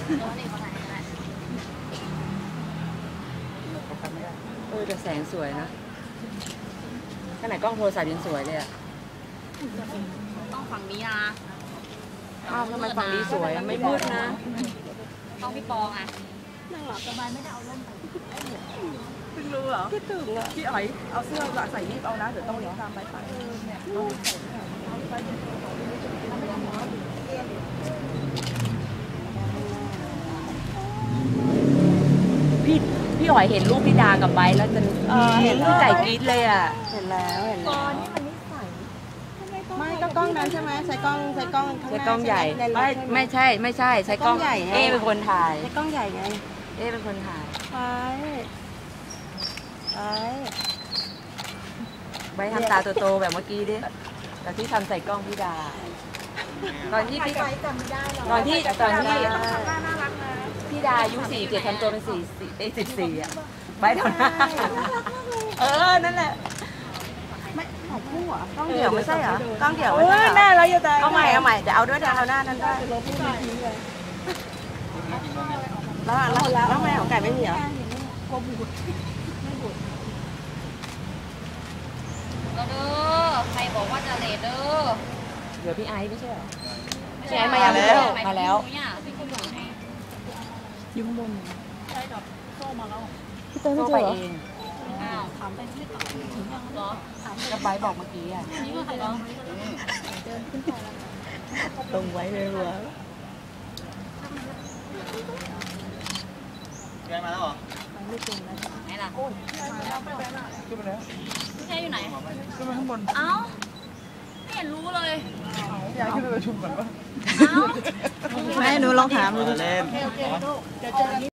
แต่แสงสวยนะขนาดกล้องโทรศัพท์ยังสวยเลยอะต้องฝั่งนี้นะอ้าวทำไมฝั่งนี้สวยไม่มืดนะต้องพี่ปองอ่ะนั่งหลับสบายไม่ได้เอาล่มไปเพิ่งรู้เหรอคิดถึงอ่ะพี่อ๋อยเอาเสื้อใส่รีบเอานะเดี๋ยวต้องเลี้ยงตามไปเนี่ยพี่อ๋อยเห็นรูปพี่ดากับไบแล้วจะเห็นพี่ไก่กรี๊ดเลยอ่ะเห็นแล้วตอนนี้มันนิสัยไม่ก็กล้องนั้นใช่ไหมใช้กล้องข้างหน้าใช้กล้องใหญ่ไม่ใช่ใช้กล้องใหญ่เป็นคนถ่ายใช้กล้องใหญ่ไงเป็นคนถ่ายไปทำตาโตๆแบบเมื่อกี้ดิแต่ที่ทำใส่กล้องพี่ดาตอนที่ตอนที่พี่ดาอายุ47ทำตัวเป็น14อ่ะไปเท่านั้นนั่นแหละไม่ของคู่อ่ะกล้องเดี่ยวไม่ใช่เหรอกล้องเดี่ยวหน้าเราอยู่แต่เอาใหม่เดี๋ยวเอาด้วยเอาหน้านั้นได้แล้วแม่ของไก่ไม่มีเหรอก็เด้อใครบอกว่าจะเลทเด้อเดี๋ยวพี่ไอซ์ไม่ใช่เหรอพี่ไอซ์มาแล้วยุ่งบนใช่ดอกโซ่มาแล้วพี่เต้ไม่เจอไปเองอ้าวถามไปที่ต่อถึงยังเหรอกับไบบอกเมื่อกี้อ่ะนี่ก็ใครเหรอเดินขึ้นไปแล้วตรงไว้เลยหัวแกมาแล้วเหรอไม่จริงนะไหนล่ะขึ้นไปแล้วพี่ชายอยู่ไหนขึ้นไปข้างบนเอ้าไม่เห็นรู้เลยอยากขึ้นไปประชุมก่อนปะเอ้าแม่หนูลองถามดูเล่นเดี๋ยวเจอกัน